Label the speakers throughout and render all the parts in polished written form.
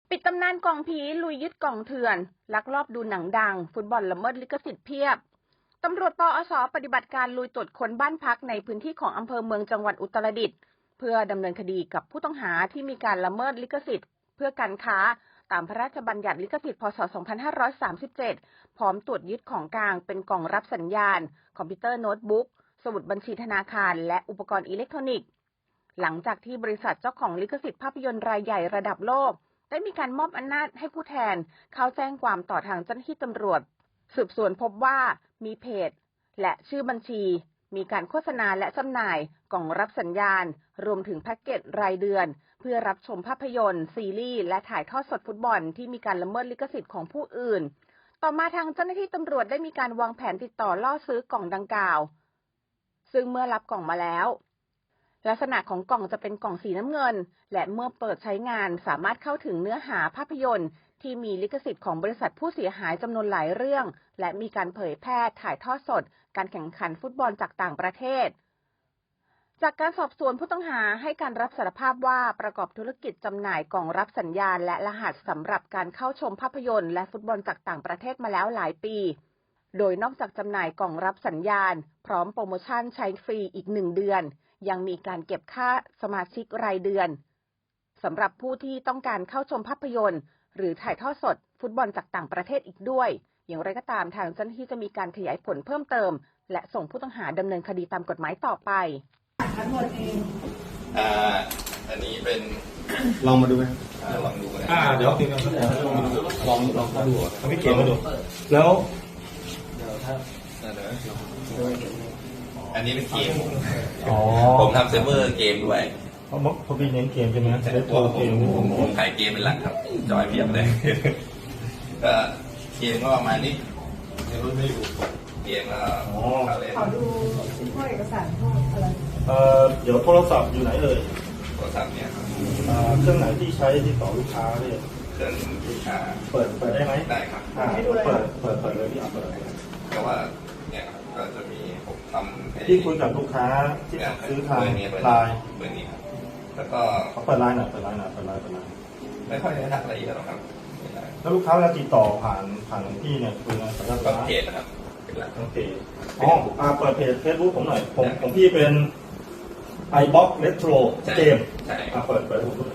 Speaker 1: ปิดตำนานกล่องผีลุยยึดกล่องเถื่อนลักลอบดูหนังดังฟุตบอลละเมิดลิขสิทธิ์เพียบตำรวจปอส.ปฏิบัติการลุยตรวจค้นบ้านพักในพื้นที่ของอำเภอเมืองจังหวัดอุตรดิตถ์เพื่อดำเนินคดีกับผู้ต้องหาที่มีการละเมิดลิขสิทธิ์เพื่อการค้าตามพระราชบัญญัติลิขสิทธิ์พ.ศ. 2537พร้อมตรวจยึดของกลางเป็นกล่องรับสัญญาณคอมพิวเตอร์โน้ตบุ๊กสมุดบัญชีธนาคารและอุปกรณ์อิเล็กทรอนิกส์หลังจากที่บริษัทเจ้าของลิขสิทธิ์ภาพยนตร์รายใหญ่ระดับโลกได้มีการมอบอำนาจให้ผู้แทนเข้าแจ้งความต่อทางเจ้าหน้าที่ตำรวจสืบสวนพบว่ามีเพจและชื่อบัญชีมีการโฆษณาและจำหน่ายกล่องรับสัญญาณรวมถึงแพ็กเกจรายเดือนเพื่อรับชมภาพยนตร์ซีรีส์และถ่ายทอดสดฟุตบอลที่มีการละเมิดลิขสิทธิ์ของผู้อื่นต่อมาทางเจ้าหน้าที่ตำรวจได้มีการวางแผนติดต่อล่อซื้อกล่องดังกล่าวซึ่งเมื่อรับกล่องมาแล้วลักษณะของกล่องจะเป็นกล่องสีน้ำเงินและเมื่อเปิดใช้งานสามารถเข้าถึงเนื้อหาภาพยนตร์ที่มีลิขสิทธิ์ของบริษัทผู้เสียหายจำนวนหลายเรื่องและมีการเผยแพร่ถ่ายทอดสดการแข่งขันฟุตบอลจากต่างประเทศจากการสอบสวนผู้ต้องหาให้การรับสารภาพว่าประกอบธุรกิจจำหน่ายกล่องรับสัญญาณและรหัสสำหรับการเข้าชมภาพยนตร์และฟุตบอลจากต่างประเทศมาแล้วหลายปีโดยนอกจากจำหน่ายกล่องรับสัญญาณพร้อมโปรโมชั่นใช้ฟรีอีก1 เดือนยังมีการเก็บค่าสมาชิกรายเดือนสำหรับผู้ที่ต้องการเข้าชมภาพยนตร์หรือถ่ายทอดสดฟุตบอลจากต่างประเทศอีกด้วยอย่างไรก็ตามทางเจ้าหน้าที่จะมีการขยายผลเพิ่มเติมและส่งผู้ต้องหาดำเนินคดีตามกฎหมายต่อไป
Speaker 2: อันนี้เป็น
Speaker 3: ลองมาดูไหม
Speaker 2: ลองดูนะ
Speaker 3: เดี๋ยวลองเข้าดูเขาไม่เขียนมาดูแล้ว
Speaker 2: อันนี้เป็นเกมผมทำเซิร์ฟเวอร์เกมด้วย
Speaker 3: เขาเป็นเน้นเกมใช่ไหม
Speaker 2: แต่ตัวผมขายเกมเป็นหลักครับจอยเพียบเลยก็เกมก็ประมาณนี้ไม่อยู่เกมก็
Speaker 4: ขอดูพวกเอกสารพวกอะไร
Speaker 3: เดี๋ยวโทรศัพท์อยู่ไหนเอ่ย
Speaker 2: โทรศัพท์เนี่ยครับ
Speaker 3: เครื่องไหนที่ใช้ติดต่อลูกค้าเนี่ย
Speaker 2: เครื่องลูกค้า
Speaker 3: เปิดได้ไหม
Speaker 2: ได้ครับ
Speaker 3: เปิดเลยพี่เปิด
Speaker 2: แต่ว่าเนี่ยก็จะมีผมทำ
Speaker 3: ที่คุยกับลูกค้าที่ซื้อทางไลน์
Speaker 2: เบอร์นี้ครับแล้วก็
Speaker 3: เขาเปิดไลน์หน่อย
Speaker 2: ไม่ค่อยได้ทักอะไรเยอะหรอกครับ
Speaker 3: แล้วลูกค้าเวลาติดต่อผ่านพี่เนี่ยคือสัญญาณ
Speaker 2: เพจนะครับ
Speaker 3: โอเคเปิดเพจเฟซบุ๊กผมหน่อยผมพี่เป็นiBox Retro เกมเปิด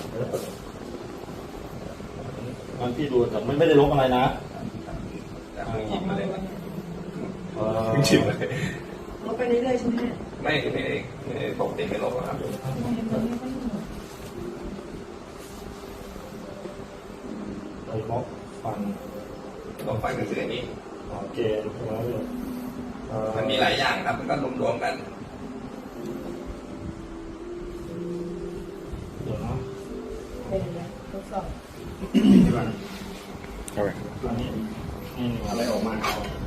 Speaker 3: มันพี่ดูแต่ไม่ได้ลบอะไรนะ
Speaker 2: หยิบมาเลย
Speaker 4: ชิมเลยลบไปเรื่อยๆใช่ไหม
Speaker 2: ไม่ปกติไม่ลบครับ
Speaker 3: iBox ฟัน
Speaker 2: ลบไปก็คืออันนี้
Speaker 3: เกม
Speaker 2: มันมีหลายอย่างครับมันก็รวมกัน
Speaker 3: เดี๋ยวนะ
Speaker 4: ทดสอบ
Speaker 3: อันนี้อะไรออกมา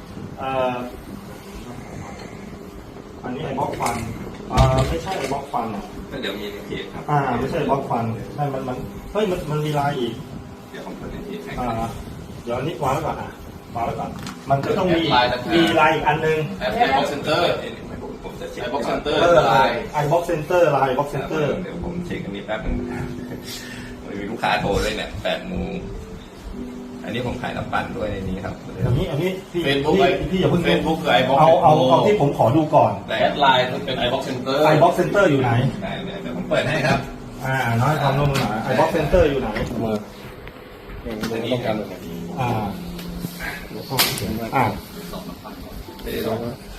Speaker 3: อันนี้ไอ้บล็อกฟันไม่ใช่ไอ้บล็อกฟัน
Speaker 2: ก็เดี๋ยวมีเพจครับ
Speaker 3: ไม่ใช่บล็อกฟันใช่มันมีลายอีก
Speaker 2: เดี๋ยวผมเปิดในเพจให้
Speaker 3: เดี๋ยวนี้วางไว้ก่อนมันจะต้องมีลายอีกอันนึง
Speaker 2: iBox Center ผมจะเช็คiBox Center ลาย
Speaker 3: iBox Center ลาย iBox Center
Speaker 2: เดี๋ยวผมเช็คอันนี้แป๊บนึงมีลูกค้าโทรด้วยเนี่ย8 โมงอันนี้ผมขายน้ำปั่นด้วยในนี้ครับ
Speaker 3: อันนี้
Speaker 2: เฟซบุ๊ก
Speaker 3: พี่อย่าเพิ่ง
Speaker 2: เฟซบุ๊กคือ iBox
Speaker 3: เอาที่ผมขอดูก่อน
Speaker 2: แอดไลน์เป็น iBox Center
Speaker 3: iBox Center อยู่ไหน
Speaker 2: เดี๋ยวผมเปิดให้ครับ
Speaker 3: น้อยความร่วมมือ iBox Center อยู่ไหน
Speaker 2: อันนี้ครับ
Speaker 3: ไม่ได้ลอง